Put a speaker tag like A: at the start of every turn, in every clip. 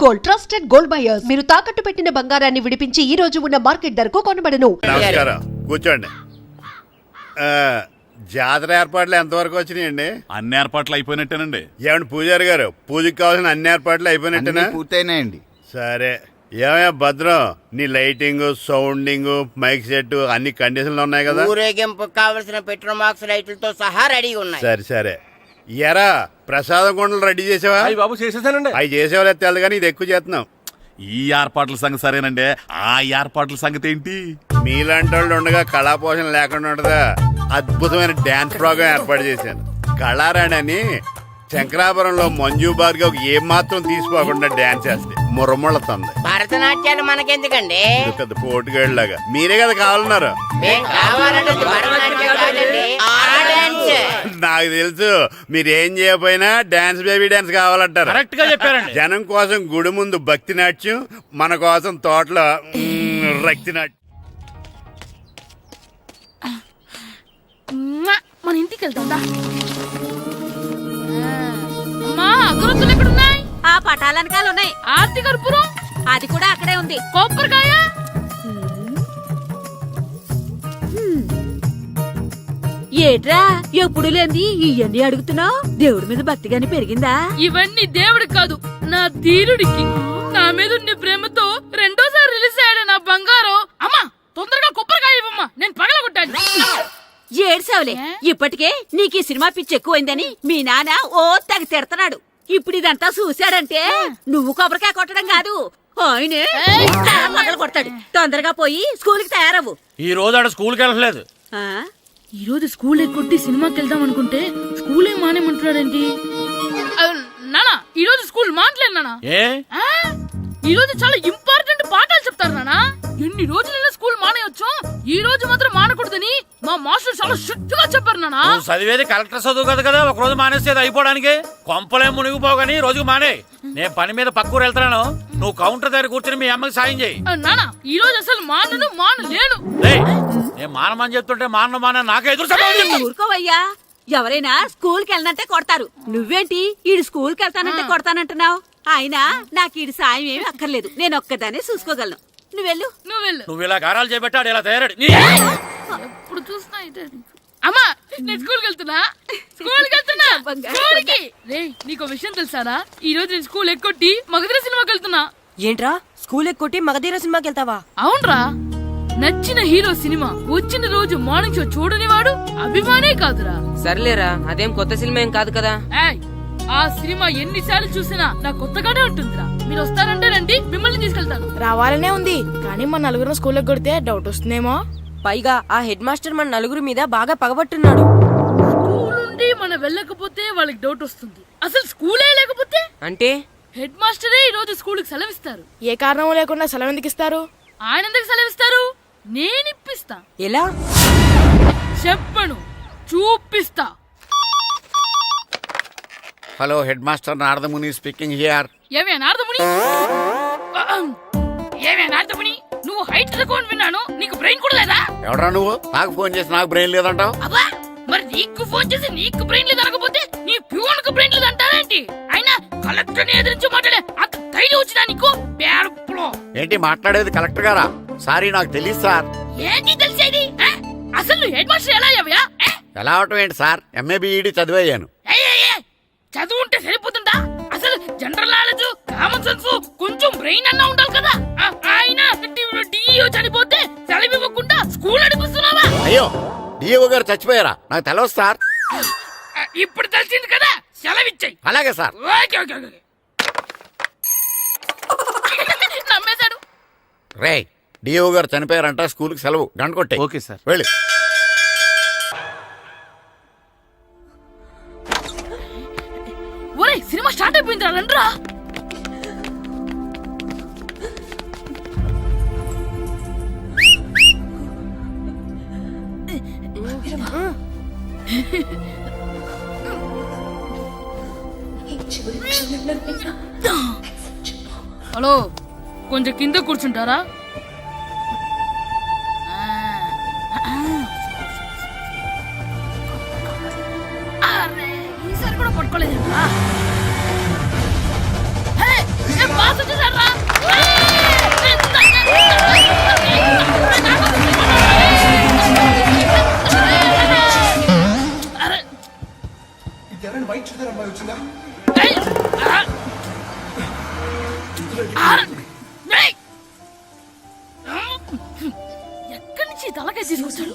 A: Gold, trusted gold buyers. మీరు తాకట్టు పెట్టిన బంగారాన్ని విడిపించి ఈ రోజు ఉన్న మార్కెట్ ధరకు కొనబడను.
B: నమస్కారం, కూర్చోండి. జాతర ఏర్పాట్లు ఎంతవరకు వచ్చినాయండి?
C: అన్ని ఏర్పాట్లు అయిపోయినట్టేనండి.
B: ఏమండి పూజారి గారు, పూజకి కావాల్సిన అన్ని ఏర్పాట్లు అయిపోయినట్టేనా?
D: పూర్తయినాయండి.
B: సరే, ఏమయ్యా భద్రం, నీ లైటింగ్, సౌండింగ్, మైక్ సెట్ అన్ని కండిషన్లు ఉన్నాయి కదా?
E: ఊరేగింపు కావలసిన పెట్రోల్ మార్క్స్ లైట్లతో సహా రెడీ ఉన్నాయి.
B: సరే ఎరా ప్రసాదం కొండలు రెడీ చేసావా?
F: బాబు చేసేసానండి.
B: అవి చేసేవాళ్ళు తెలదు కానీ ఇది ఎక్కువ చేస్తున్నాం.
C: ఈ ఏర్పాట్ల సంగతి సరేనండి, ఆ ఏర్పాట్ల సంగతి ఏంటి?
B: మీలాంటి వాళ్ళు ఉండగా కళాపోషణ లేకుండా ఉండదా? అద్భుతమైన డాన్స్ ప్రోగ్రాం ఏర్పాటు చేశాను. కళారాణి అని శంకరాపురంలో మంజు భార్గవ్ ఏం మాత్రం తీసుకోకుండా డాన్స్ చేస్తే మురముళ్ళతుంది.
E: భరతనాట్యాలు మనకెందుకండి?
B: పెద్ద పోటుగాళ్ళలాగా మీరే కదా కావాలన్నారు. నాకు తెలుసు, మీరేం చేయకపోయినా డాన్స్ బేబీ డాన్స్ కావాలంటారు.
F: కరెక్ట్ గా చెప్పారండి.
B: జనం కోసం గుడి ముందు భక్తి నాట్యం, మన కోసం తోటలో రక్తి నాట్యం.
G: మన ఇంటికి వెళ్తా. అమ్మా, అగరొత్తులు ఎక్కడున్నాయి?
H: ఆ పటాలనకాలు ఉన్నాయి.
G: ఆర్తి కర్పూరం
H: అది కూడా అక్కడే ఉంది.
G: కొబ్బరికాయ
H: ఏట్రా ఎప్పుడు లేంది ఇవన్నీ అడుగుతున్నావు? దేవుడి మీద భక్తి గాని పెరిగిందా?
G: ఇవన్నీ దేవుడికి కాదు, నా ధీరుడికి. నా మీద ఉండే ప్రేమతో రెండోసారి రిలీజ్ అయ్యాడు నా బంగారం. అమ్మా, తొందరగా కొబ్బరికాయ ఇవ్వమ్మా, నేను పగలగొట్టాను.
H: ఏడ్సావులే, ఇప్పటికే నీకు ఈ సినిమా పిచ్చి ఎక్కువైందని మీ నాన్న ఓ తెగ తిడతాడు. ఇప్పుడు ఇదంతా చూశాడంటే నువ్వు కొబ్బరికాయ కొట్టడం కాదు, ఆయనే మొదలు కొడతాడు. తొందరగా పోయి స్కూల్ కి తయారవు.
F: ఈ రోజు ఆడ స్కూల్కి వెళ్ళలేదు.
G: ఈ రోజు స్కూల్ ఎక్కొట్టి సినిమాకి వెళ్దాం అనుకుంటే స్కూల్ ఏం మానేమంటున్నాడేంటి? నానా, ఈ రోజు స్కూల్ మానట్లేదు నానా.
F: ఏ
G: ఈ రోజు చాలా ఇంపార్టెంట్ పాఠాలు చెప్తారు నానా. ఎన్ని రోజులైనా స్కూల్ మానేయొచ్చు, ఈ రోజు మాత్రం మానకూడదని మా మాస్టర్ చాలా స్ట్రిక్ట్ గా చెప్పారు నానా.
F: నువ్వు చదివేది కలెక్టర్ చదువు కదా కదా, ఒక రోజు మానేసేది అయిపోవడానికి. కొంపలేం మునిగిపోగాని రోజుకు మానే. నేను పని మీద పక్కూరు వెళ్తాను, నువ్వు కౌంటర్ దగ్గర కూర్చొని మీ అమ్మకి సాయం చేయి.
G: నానా, ఈ రోజు అసలు మానలేను.
F: నేను మానమని చెప్తుంటే మాన నాకే ఎదురు.
H: ఊరుకోవయ్యా, ఎవరైనా స్కూల్ కి వెళ్ళనంటే కొడతారు. నువ్వేంటి ఈడు స్కూల్ కి వెళ్తానంటే కొడతానంటున్నావు? అయినా నాకు ఈడు సాయం ఏమి అక్కర్లేదు, నేను ఒక్కదానే చూసుకోగలను. నువ్వెళ్ళు.
F: నువ్వు ఇలా గారాలు చేపెట్టాడు, ఇలా తయారాడు.
G: ఎప్పుడు చూస్తా అమ్మా, నేను స్కూల్కి వెళ్తున్నా. స్కూల్కి రే, నీకు విషయం తెలుసారా? ఈ రోజు నేను స్కూల్ ఎక్కొట్టి మగధీర సినిమాకి వెళ్తున్నా.
I: ఏంట్రా, స్కూల్ ఎక్కొట్టి మగధీర సినిమాకి వెళ్తావా?
G: అవునరా, నచ్చిన హీరో సినిమా వచ్చిన రోజు మార్నింగ్ షో చూడని వాడు అభిమానే కాదురా.
I: సర్లేరా, అదేం కొత్త సినిమా ఏం కాదు కదా.
G: ఆ సినిమా ఎన్నిసార్లు చూసినా నాకు కొత్తగానే ఉంటుందిరా. మీరు వస్తారంటే రండి, మిమ్మల్ని తీసుకెళ్తాను.
J: రావాలనే ఉంది, కానీ మన నలుగురు స్కూల్లో కొడితే డౌట్ వస్తుందేమో.
I: పైగా ఆ హెడ్ మాస్టర్ మన నలుగురు మీద బాగా పగబట్టున్నాడు.
G: స్కూల్ నుండి మనం వెళ్ళకపోతే వాళ్ళకి డౌట్ వస్తుంది. అసలు స్కూలే లేకపోతే
I: అంటే
G: హెడ్ మాస్టరే ఈ రోజు స్కూల్ కి సెలవిస్తారు.
J: ఏ కారణం లేకుండా సెలవు ఎందుకు ఇస్తారు?
G: ఆయన ఎందుకు సెలవిస్తారు? నేను ఇప్పిస్తా.
I: ఎలా
G: చెప్పను, చూపిస్తా.
D: Hello, head master Naradamuni speaking here.
G: ఏమే నారదముని, నువ్వు హైట్ రికార్డ్ విన్నాను, నీకు బ్రెయిన్ కూడా లేదా?
D: ఎవడా నువ్వు? నాకు ఫోన్ చేసి నాకు బ్రెయిన్ లేదంటావు?
G: అబ్బా, మరి నీకు ఫోన్ చేసి నీకు బ్రెయిన్ లేదు అనకపోతే నీ ప్యూన్ కు బ్రెయిన్ లేదు అంటారేంటి? అయినా కలెక్టర్ ని ఎదిరించి మాట్లాడే అంత ధైర్యం వచ్చినా నీకు?
D: ఏంటి మాట్లాడేది? కలెక్టర్ గారా? సారీ, నాకు తెలియదు సార్.
G: ఏంటి తెలిసేది? అసలు నువ్వు హెడ్ మాస్టర్ ఎలా అయ్యావా?
D: ఎలా అవటం ఏంటి సార్, ఎంఏ బిఈడి చదివయ్యాను.
G: చదువు ఉంటే సరిపోతుందా? అసలు జనరల్ నాలెడ్జ్, కామన్ సెన్స్, కొంచెం బ్రెయిన్ అన్నా ఉండాలి కదా. ఆయన డిఇఓ చనిపోతే సెలవు ఇవ్వకుండా స్కూల్ నడిపిస్తున్నావా?
D: అయ్యో, డిఓ గారు చచ్చిపోయారా? నాకు తెలవదు సార్.
G: ఇప్పుడు తెలిసింది కదా, సెలవు ఇచ్చాయి.
D: అలాగే సార్.
G: నమ్మేశాడు.
D: రే, డిఓ గారు చనిపోయారంట, స్కూల్ కి సెలవు, గంట కొట్టే.
C: Okay sir.
D: వెళ్ళి.
G: ఒరే, సినిమా స్టార్ట్ అయిపోయింది రండ్రా. హలో, కొంచెం కింద కూర్చుంటారా? ఈసారి కూడా పట్టుకోలేదు. ఎక్కడి నుంచి తలకాయ తీసుకొచ్చాడు?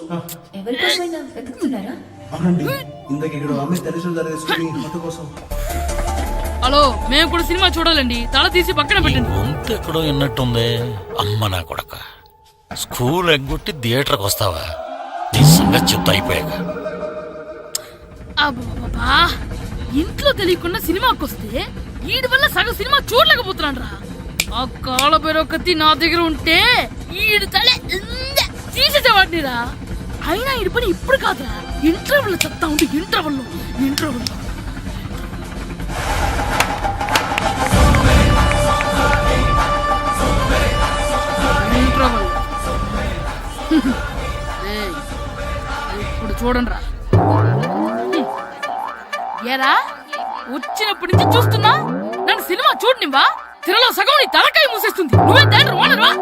K: అవునండి, ఇందాక ఇక్కడ అమ్మాయి తల్లిదండ్రులు ధరేసుకుని మొత్తం కోసం.
G: హలో, మేము కూడా సినిమా చూడాలండి. తల తీసి పక్కన పెట్టండి.
F: గొంతు ఎక్కడో విన్నట్టుంది. అమ్మ నా కొడక, స్కూల్ ఎగ్గొట్టి థియేటర్కి వస్తావా? నీ సంగతి చెప్తా అయిపోయాక.
G: అబ్బా, ఇంట్లో తెలియకుండా సినిమాకి వస్తే వీడి వల్ల సగం సినిమా చూడలేకపోతున్నాను రా. ఆ కాళ్ళ బెరొకతి నా దగ్గర ఉంటే ఈడు తలే తీసేసేవాడిని రా. అయినా ఈడి పని ఇప్పుడు కాదురా, ఇంటర్వెల్ చెప్తా ఉంటే ఇంటర్వెల్ ఇప్పుడు చూడండి రా. ఏరా, వచ్చినప్పటి నుంచి చూస్తున్నా నన్ను సినిమా చూడనివ్వా? తిరలో సగం నీ తలకాయ మూసేస్తుంది. నువ్వే థియేటర్ ఓనర్వా?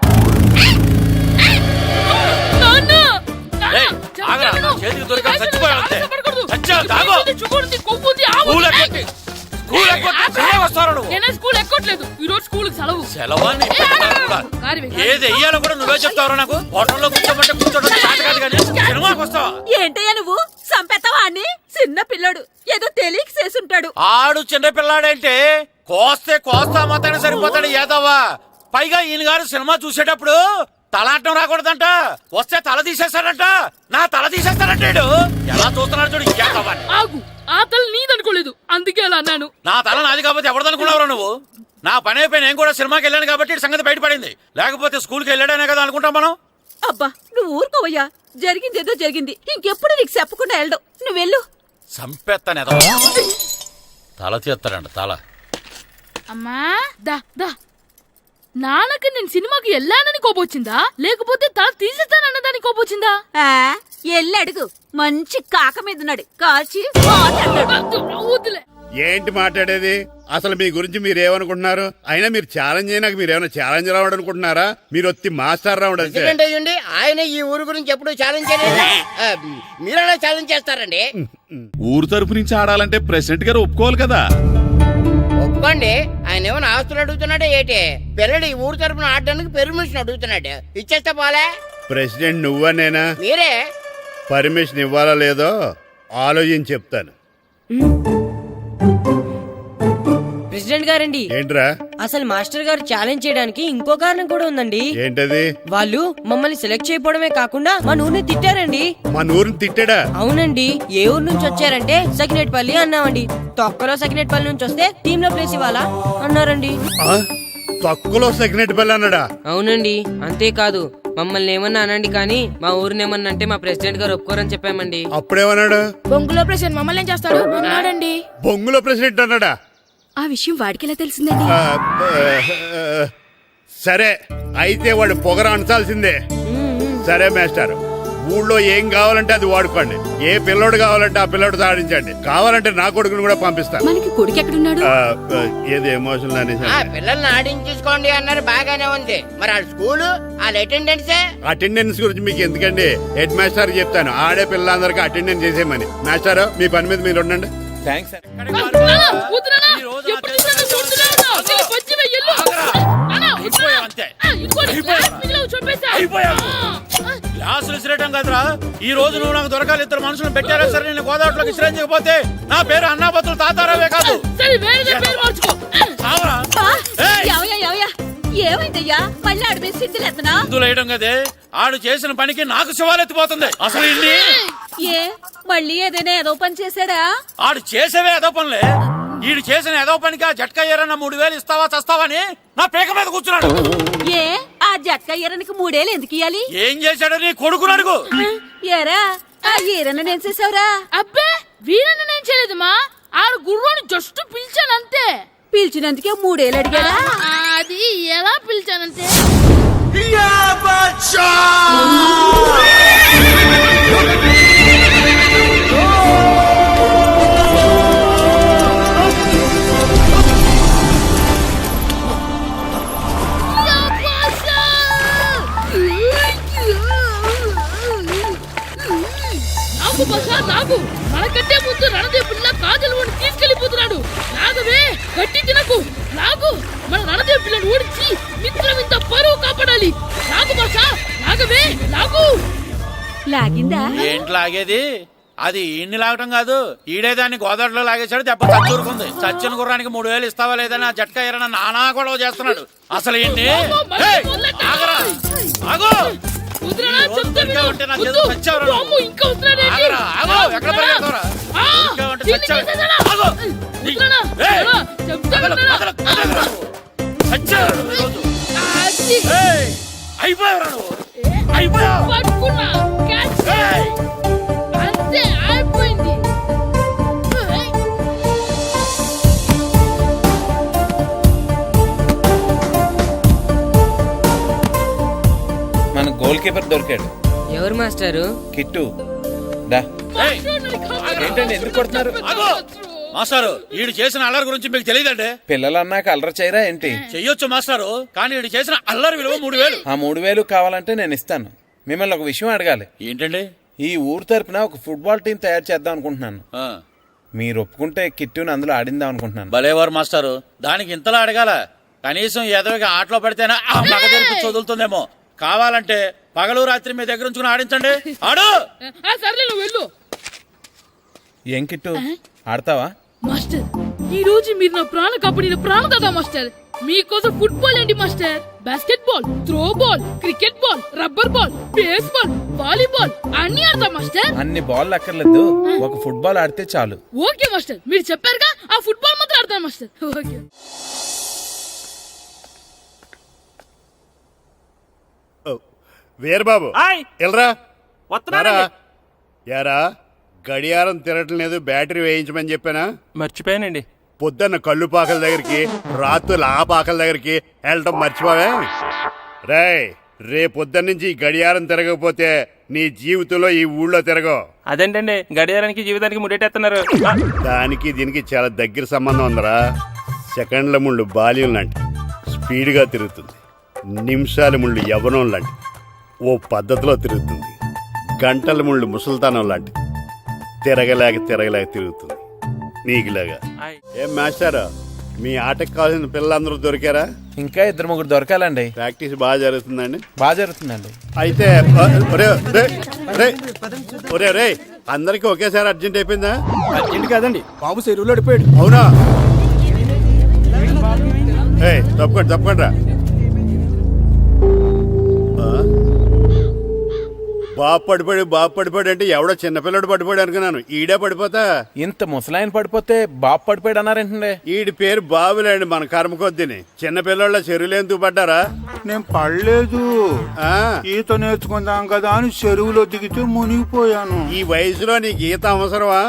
F: చేతికి దొరికా చచ్చిపోయావంతే. చచ్చావు, తాగు.
G: నేనే స్కూల్ ఎక్కట్లేదు. ఈ రోజు స్కూల్ సెలవు.
F: సెలవాన్ని ఏది వెయ్యాలో కూడా నువ్వే చెప్తావు. నాకు హోటల్లో కూర్చోమంటే కూర్చోడం కాదు కానీ సినిమాకి వస్తావా?
H: ఏంటయ్యా నువ్వు సంపెత్తవా అని? చిన్న పిల్లడు ఏదో తెలియక చేసుంటాడు.
F: ఆడు చిన్న పిల్లాడంటే కోస్తే కోస్తా మాత్రమే సరిపోతాడు ఏదవ్వా. పైగా ఈయన గారు సినిమా చూసేటప్పుడు తలాటం రాకూడదంట. వస్తే తల తీసేస్తాడంట. నా తల తీసేస్తాడంటాడు. ఎలా చూస్తున్నాడు చూడు. ఇంకేదవ్వా,
G: ఆగు. ఆ తల నీదనుకోలేదు, అందుకే అలా అన్నాను.
F: నా తల నాది కాబట్టి ఎవరిదనుకున్నావురా నువ్వు? నా పని అయిపోయి నేను కూడా సినిమాకి వెళ్ళాను కాబట్టి ఈ సంగతి బయటపడింది. లేకపోతే స్కూల్కి వెళ్ళాడనే కదా అనుకుంటాం మనం.
H: అబ్బా నువ్వు ఊరుకోవయ్యా. జరిగిందేదో జరిగింది. ఇంకెప్పుడు నీకు చెప్పకుండా వెళ్ళడు. నువ్వు వెళ్ళు.
F: సంపెత్తనే తల తీస్తాడంట తల.
G: అమ్మా దా దా. నాన్నకి నేను సినిమాకి వెళ్ళానని కోపొచ్చిందా, లేకపోతే తల తీసేస్తానన్నదాని కోపొచ్చిందా?
H: ఎల్లి అడుగు. మంచి కాక మీద ఉన్నాడు. కాల్చి
G: వద్దులే.
B: ఏంటి మాట్లాడేది? అసలు మీ గురించి మీరేమనుకుంటున్నారు? అయినా మీరు ఛాలెంజ్ అయినాక మీరు ఏమైనా ఛాలెంజ్ రావడం అనుకుంటున్నారా? మీరు వచ్చి మాస్టర్ రావడం.
E: అయ్యండి, ఆయన ఈ ఊరు గురించి ఎప్పుడు ఛాలెంజ్ చేయలేదు. మీరెలా ఛాలెంజ్ చేస్తారండి?
C: ఊరు తరపు నుంచి ఆడాలంటే ప్రెసిడెంట్ గారు ఒప్పుకోవాలి కదా.
E: ఒప్పుకోండి. ఆయన ఏమైనా ఆస్తులు అడుగుతున్నాడే ఏంటి? పిల్లడు ఈ ఊరు తరపున ఆడడానికి పెర్మిషన్ అడుగుతున్నాడు. ఇచ్చేస్తే పోలే.
B: ప్రెసిడెంట్ నువ్వా నేనా?
E: మీరే.
B: పర్మిషన్ ఇవ్వాలా లేదో ఆలోచించి చెప్తాను.
I: ప్రెసిడెంట్ గారండి,
B: ఏంట్రా?
I: అసలు మాస్టర్ గారు ఛాలెంజ్ చేయడానికి ఇంకో కారణం కూడా ఉందండి.
B: ఏంటది?
I: వాళ్ళు మమ్మల్ని సెలెక్ట్ చేయకపోవడమే కాకుండా మా ఊరిని తిట్టారండి.
B: మా ఊరిని తిట్టాడా?
I: అవునండి. ఏ ఊరు నుంచి వచ్చారంటే సకినేట్పల్లి అన్నామండి. తొక్కలో సకినేట్పల్లి నుంచి వస్తే టీమ్ లో ప్లేస్ ఇవ్వాలా అన్నారండి.
B: తక్కువలో సెగ్నెట్ బెల్ అన్నాడా?
I: అవునండి. అంతేకాదు మమ్మల్ని ఏమన్నా అనండి కానీ మా ఊరిని ఏమన్నా అంటే మా ప్రెసిడెంట్ గారు ఒప్పుకోరని చెప్పామండి.
B: అప్పుడేమన్నాడు?
J: బొంగులో ప్రెసిడెంట్ మమ్మల్ని ఏం చేస్తాడు అన్నాడండి.
B: బొంగులో ప్రెసిడెంట్ అన్నాడా?
H: ఆ విషయం వాడికెలా తెలిసిందండి?
B: సరే అయితే వాడు పొగర అనసాల్సిందే. సరే మాస్టర్, ఊళ్ళో ఏం కావాలంటే అది వాడుకోండి. ఏ పిల్లోడు కావాలంటే ఆ పిల్లోడు సాధించండి. కావాలంటే నా కొడుకుని కూడా పంపిస్తాను.
H: మనకి కొడుకు ఎక్కడున్నాడు?
B: ఏది ఎమోషనల్ అనేసి
E: పిల్లల్ని ఆడించేసుకోండి అన్నారు, బాగానే ఉంది. మరి ఆ స్కూలు వాళ్ళ
B: అటెండెన్స్ గురించి మీకు ఎందుకండి? హెడ్ మాస్టర్ చెప్తాను. ఆడే పిల్లలందరికీ అటెండెన్స్ చేసేయమని. మాస్టర్ మీ పని మీద మీరు ఉండండి.
F: గ్లాసులు విసిరేయడం కదరా. ఈ రోజు నువ్వు నాకు దొరకాలి. ఇద్దరు మనుషులు పెట్టారా సరే, నేను గోదావరిలోకి విసిరించకపోతే నా పేరు అన్నాపత్రులు తాతారావే కాదు.
H: ఏమైందయ్యా? మళ్ళీ ఆడి మీద సిద్ధులేతనా?
F: సిద్ధులేయడం కదే. ఆడు చేసిన పనికి నాకు శివాలెత్తిపోతుంది. అసలు ఇన్ని
H: ఏ మళ్ళీ ఏదైనా ఏదో పని చేశాడా?
F: ఆడు చేసేవే ఏదో పనులే. ఈడు చేసిన ఏదో పనికి ఆ జట్కా ఏరన్న 3000 ఇస్తావా చస్తావని నా పేక మీద కూర్చున్నాడు.
H: ఏ ఆ జట్కా ఈరనికి 3000 ఎందుకు ఇయ్యాలి?
F: ఏం చేశాడో నీ కొడుకుని అడుగు.
H: ఏరా ఆ ఈరన్న నేను చేసావురా?
G: అబ్బే వీరన్న నేను చేయలేదమ్మా. ఆడు గుర్రాన్ని జస్ట్ పిలిచానంతే.
H: పిలిచినందుకే 3000 అడిగాడా?
G: అది ఎలా పిలిచానంటే నాకు మనకంటే ముందు రణదేవుడిలా కాజల్ వాడిని తీసుకెళ్లిపోతున్నాడు. నాగవే గట్టి తినకు. నాకు మన రణదేవుడిలో
H: లాగిందా?
F: ఏంటి లాగేది? అది ఈయన్ని లాగటం కాదు, ఈడే దాన్ని గోదావరిలో లాగేశాడు. దెబ్బ చచ్చూరుకుంది. చచ్చిన గుర్రానికి 3000 ఇస్తావా లేదని ఆ జట్కా ఎరన నానా గొడవ చేస్తున్నాడు. అసలు ఏంటి? ఏయ్, ఆగరా, ఆగు.
G: వదిలేనా?
F: ఈ రోజు
G: చెప్తే
F: దొరికా
G: విను.
F: ఉంటే నాకు
G: వద్దు.
F: ఏదో చచ్చావురా నువ్వు.
G: అమ్మో, ఇంకా వదిలేనా?
F: ఆగరా, ఆగు. ఎక్కడ పరిగెడతావురా?
G: ఆ,
F: దొరికా ఉంటే
G: దీన్ని
F: చచ్చావు.
G: చేసేసాడా?
F: ఆగు.
G: వదిలేనా?
F: ఏయ్,
G: వదిలేనా? చెప్తే వినరా?
F: చచ్చావురా నువ్వు ఈరోజు.
G: అది.
F: ఏయ్, అయిపోయావురా నువ్వు. అయిపోయావు.
G: పట్టుకున్నా. క్యాచ్.
F: ఏయ్.
G: అంతే, అయిపోయింది. ఏయ్.
L: మన గోల్ కీపర్ దొరికాడు.
I: ఎవరు మాస్టారు?
L: కిట్టు దా.
F: ఏయ్,
L: ఏంటండి ఎందుకు కొడుతున్నారు?
F: ఆగు. మాస్టారు, ఈడు చేసిన అల్లరి గురించి మీకు తెలియదండి.
L: పిల్లలు అన్నాక అల్లరి చేయరా ఏంటి?
F: చెయ్యొచ్చు మాస్టారు, కానీ ఈడు చేసిన అల్లరి విలువ 3000.
L: ఆ 3000 కావాలంటే నేను ఇస్తాను. మిమ్మల్ని ఒక విషయం అడగాలి.
F: ఏంటండి?
L: ఈ ఊరు తరపున ఒక ఫుట్బాల్ టీం తయారు చేద్దాం అనుకుంటున్నాను.
F: ఆ,
L: మీరు ఒప్పుకుంటే కిట్టుని అందులో ఆడిందాం అనుకుంటున్నాను.
F: భలేవారు మాస్టారు, దానికి ఇంతలా అడగాల? కనీసం ఎదవికి ఆటలో పడితేనే ఆ మగ తెరిపి చదువుతుందేమో. కావాలంటే పగలు రాత్రి మీ దగ్గర ఉంచుకుని ఆడించండి. ఆడు.
G: ఆ, సర్లే, నువ్వు వెళ్ళు.
L: ఏం కిట్టు ఆడతావా?
G: మాస్టర్, ఈ రోజు మీరు నా ప్రాణ కాపాడిన ప్రాణదాత మాస్టర్. మీకోసం ఫుట్బాల్ ఏంటి master? Basket ball, throw ball, cricket ball, rubber ball, base ball, volleyball అన్ని ఆడతా మాస్టర్.
L: అన్ని బాల్ అక్కర్లేదు, ఒక ఫుట్బాల్ ఆడితే చాలు.
G: ఓకే మాస్టర్, మీరు చెప్పారుగా, ఆ ఫుట్బాల్ మాత్రం ఆడతాను మాస్టర్. ఓకే.
B: వీరబాబు ఎల్రా వస్తున్నారా? యారా గడియారం తిరగటం లేదు, బ్యాటరీ వేయించమని చెప్పానా?
M: మర్చిపోయానండి.
B: పొద్దున్న కళ్ళు పాకల దగ్గరికి, రాత్రులు ఆ పాకల దగ్గరికి వెళ్ళటం మర్చిపోవే. రే పొద్దున్న నుంచి ఈ గడియారం తిరగకపోతే నీ జీవితంలో ఈ ఊళ్ళో తిరగవు.
M: అదేంటండి, గడియారానికి జీవితానికి ముడేటేస్తున్నారు.
B: దానికి దీనికి చాలా దగ్గర సంబంధం ఉందరా. సెకండ్ల ముళ్ళు బాల్యం లాంటి స్పీడ్గా తిరుగుతుంది. నిమిషాల ముళ్ళు యవ్వనం లాంటి ఓ పద్ధతిలో తిరుగుతుంది. గంటల ముళ్ళు ముసల్తానం లాంటి తిరగలేక తిరుగుతుంది నీకులాగా. ఏం మాస్టారు, మీ ఆటకు కావాల్సిన పిల్లలందరూ దొరికారా?
L: ఇంకా 2-3 దొరకాలండి.
B: ప్రాక్టీస్ బాగా జరుగుతుందండి?
L: బాగా జరుగుతుందండి.
B: అయితే ఒరే అందరికి ఒకేసారి అర్జెంట్ అయిపోయిందా?
M: అర్జెంట్ కాదండి, బాబు చెరువులో పడిపోయాడు.
B: అవునా? తప్పకుండా రా. బాబు పడిపోయాడు అంటే ఎవడో చిన్నపిల్లడు పడిపోయాడు అనుకున్నాను. ఈడే పడిపోతా.
L: ఇంత ముసలాయన పడిపోతే బాబు పడిపోయాడు అన్నారేంటండి?
B: ఈడి పేరు బాబులేండి, మన కర్మ కొద్దిని. చిన్నపిల్లల చెరువులు ఎందుకు పడ్డారా?
N: నేను పడలేదు, ఈత నేర్చుకుందాం కదా అని చెరువులో దిగితే మునిగిపోయాను.
B: ఈ వయసులో నీకు ఈత అవసరమా?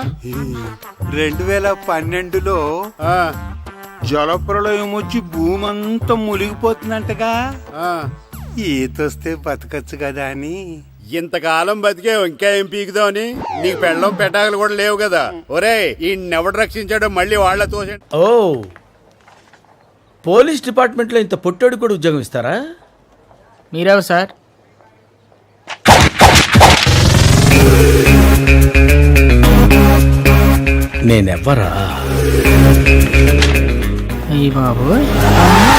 N: 2012లో జలప్రలయం వచ్చి భూమి అంతా మునిగిపోతుందంటగా. ఈత వస్తే బతకచ్చు కదా అని.
B: ఇంతకాలం బతికే ఇంకా ఏం పీకుదామని? నీకు పెళ్ళం పెట్టాకలు కూడా లేవు కదా. ఒరే ఈయన్నెవడు రక్షించాడో మళ్ళీ వాళ్ళ తోసండి.
O: ఓ, పోలీస్ డిపార్ట్మెంట్లో ఇంత పొట్టోడు కూడా ఉద్యోగం ఇస్తారా?
I: మీరెవరు సార్?
O: నేనెవ్వరా?
I: అయ్యి బాబు.